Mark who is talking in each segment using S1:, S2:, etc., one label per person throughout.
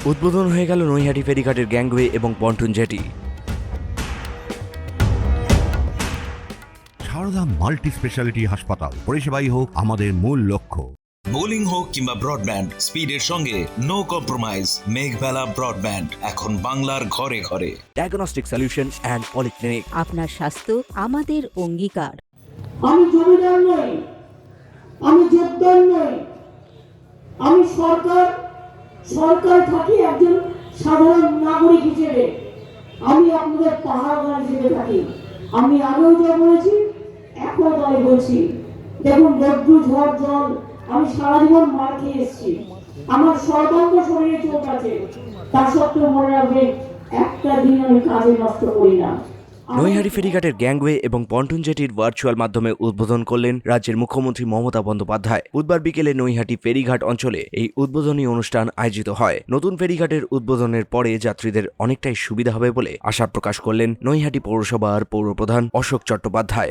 S1: উদ্বোধন হয়ে গেল নৈহাটি ফেরিঘাটের গ্যাংওয়ে এবং pontoon jetty.
S2: Sarada multi speciality হাসপাতাল, পরিষেবাই হোক আমাদের মূল লক্ষ্য।
S3: বোলিং হোক কিংবা ব্রডব্যান্ড, স্পিডের সঙ্গে নো কম্প্রোমাইজ। মেঘবেলা ব্রডব্যান্ড এখন বাংলার ঘরে ঘরে।
S1: Diagnostic solution and polyclinic.
S4: আপনার স্বাস্থ্য আমাদের অঙ্গীকার।
S5: আমি জমিদার নই, আমি জোরদার নই, আমি সরকার থাকি একজন সাধারণ নাগরিক হিসেবে। আমি আপনাদের পাহাড়গার হিসেবে থাকি। আমি আগেও যা বলেছি, এখনো তাই বলছি। দেখুন, রৌদ্র ঝড় জল আমি সারা জীবন মার খেয়ে এসেছি। আমার সর্বাঙ্গ শরীরে চোখ আছে, তা সত্ত্বেও মনে রাখবেন, একটা দিন আমি কাজে নষ্ট করি না।
S1: নৈহাটি ফেরিঘাটের গ্যাংওয়ে এবং পন্টুন জেটির ভার্চুয়াল মাধ্যমে উদ্বোধন করলেন রাজ্যের মুখ্যমন্ত্রী মমতা বন্দ্যোপাধ্যায়। বুধবার বিকেলে নৈহাটি ফেরিঘাট অঞ্চলে এই উদ্বোধনী অনুষ্ঠান আয়োজিত হয়। নতুন ফেরিঘাটের উদ্বোধনের পরে যাত্রীদের অনেকটাই সুবিধা হবে বলে আশা প্রকাশ করলেন নৈহাটি পৌরসভার পৌরপ্রধান অশোক চট্টোপাধ্যায়।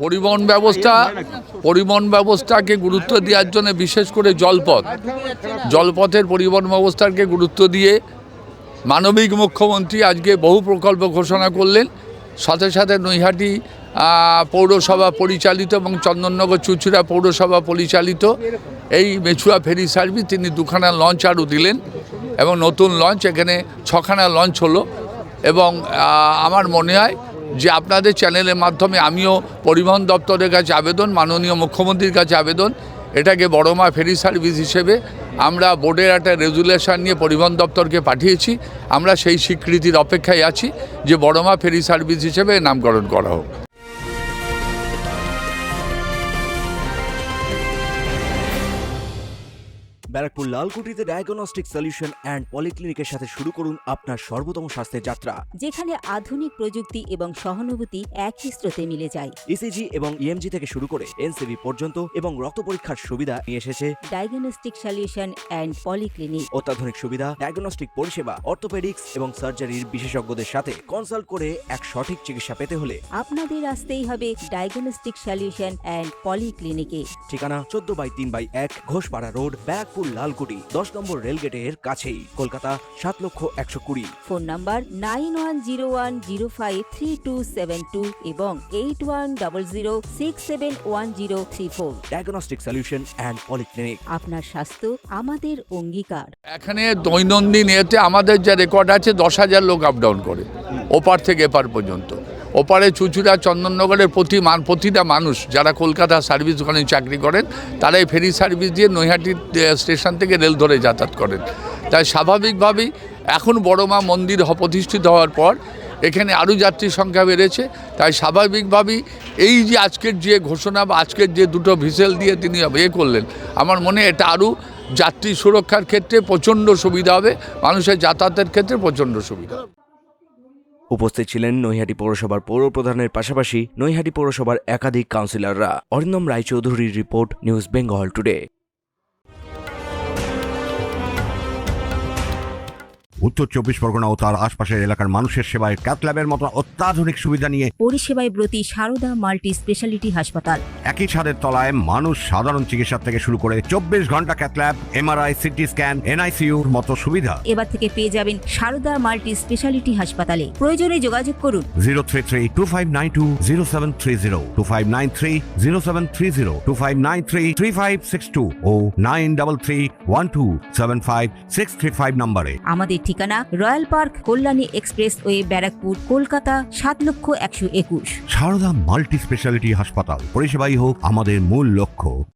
S6: পরিবহন ব্যবস্থাকে গুরুত্ব দেওয়ার জন্য বিশেষ করে জলপথের পরিবহন ব্যবস্থাকে গুরুত্ব দিয়ে মানবিক মুখ্যমন্ত্রী আজকে বহু প্রকল্প ঘোষণা করলেন। সাথে সাথে নৈহাটি পৌরসভা পরিচালিত এবং চন্দননগর চুচুড়া পৌরসভা পরিচালিত এই মেছুয়া ফেরি সার্ভিস তিনি দুখানা লঞ্চ আরও দিলেন এবং নতুন লঞ্চ এখানে 6খানা লঞ্চ হলো। এবং আমার মনে হয় যে আপনাদের চ্যানেলের মাধ্যমে আমিও পরিবহন দপ্তরের কাছে আবেদন, মাননীয় মুখ্যমন্ত্রীর কাছে আবেদন, এটাকে বড়মা ফেরি সার্ভিস হিসেবে আমরা বোর্ডের একটা রেজুলেশন নিয়ে পরিবহন দপ্তরকে পাঠিয়েছি। আমরা সেই স্বীকৃতির অপেক্ষায় আছি যে বড়মা ফেরি সার্ভিস হিসেবে নামকরণ করা হোক।
S1: ব্যারাকপুর লালকুটিতে ডায়াগনস্টিক সলিউশন অ্যান্ড পলিক্লিনিকের সাথে শুরু করুন আপনার সর্বোত্তম স্বাস্থ্যের যাত্রা,
S4: যেখানে আধুনিক প্রযুক্তি এবং সহানুভূতি একই স্রোতে মিলে যায়।
S1: ইসিজি এবং ইএমজি থেকে শুরু করে এনসিবি পর্যন্ত এবং রক্ত পরীক্ষার সুবিধা নিয়ে এসেছে
S4: ডায়াগনস্টিক সলিউশন অ্যান্ড পলিক্লিনিক।
S1: অত্যাধুনিক সুবিধা, ডায়াগনস্টিক পরিষেবা, অর্থোপেডিক্স এবং সার্জারির বিশেষজ্ঞদের সাথে কনসাল্ট করে এক সঠিক চিকিৎসা পেতে হলে
S4: আপনাদের আসতেই হবে ডায়াগনস্টিক সলিউশন অ্যান্ড পলিক্লিনিকে।
S1: ঠিকানা 14/3/1 ঘোষপাড়া রোড, ব্যারাকপুর লালকুটি, 10 নম্বর রেলগেটের কাছেই, কলকাতা 7,120,000।
S4: ফোন নাম্বার 9101053272 এবং 8100671034।
S1: Diagnostic solution and polyclinic.
S4: আপনার স্বাস্থ্য আমাদের অঙ্গীকার।
S6: এখানে দৈনন্দিন এতে আমাদের যা রেকর্ড আছে 10,000 লোক আপ ডাউন করে ওপার থেকে এপার পর্যন্ত। ওপারে চুচুড়া চন্দননগরের প্রতিটা মানুষ যারা কলকাতা সার্ভিস ওখানে চাকরি করেন তারা এই ফেরি সার্ভিস দিয়ে নৈহাটি স্টেশন থেকে রেল ধরে যাতায়াত করেন। তাই স্বাভাবিকভাবেই এখন বড়মা মন্দির প্রতিষ্ঠিত হওয়ার পর এখানে আরও যাত্রীর সংখ্যা বেড়েছে। তাই স্বাভাবিকভাবেই এই যে আজকের যে ঘোষণা বা আজকের যে দুটো ভিসেল দিয়ে তিনি করলেন, আমার মনে এটা আরও যাত্রী সুরক্ষার ক্ষেত্রে প্রচণ্ড সুবিধা হবে, মানুষের যাতায়াতের ক্ষেত্রে প্রচণ্ড সুবিধা।
S1: উপস্থিত ছিলেন নৈহাটি পৌরসভার পৌরপ্রধানের পাশাপাশি নৈহাটি পৌরসভার একাধিক কাউন্সিলররা। অরিন্দম রায়চৌধুরীর রিপোর্ট, নিউজ বেঙ্গল টুডে।
S2: উত্তর 24 পরগনা ও তার আশপাশের এলাকার মানুষের সেবায় ক্যাথ ল্যাবের মতো অত্যাধুনিক সুবিধা নিয়ে
S4: পরিষেবায় ব্রতী সারদা মাল্টি স্পেশালিটি হাসপাতাল।
S2: একই ছাদের তলায় মানুষ সাধারণ চিকিৎসা থেকে শুরু করে 24 ঘন্টা cath lab, MRI, CT scan, এনআইসিইউর মতো সুবিধা
S4: এবার থেকে পেয়ে যাবেন সারদা মাল্টি স্পেশালিটি হাসপাতালে। প্রয়োজনে যোগাযোগ করুন
S2: 033-2592-0730, 2593-0730, 2593-3562 ও 9331275635 নম্বরে।
S4: আমাদের ঠিকানা Royal Park, Kalyani expressway, Barrackpore, Kolkata 7,121,000।
S2: Sarada multi speciality হাসপাতাল, পরিষেবাই হোক আমাদের মূল লক্ষ্য।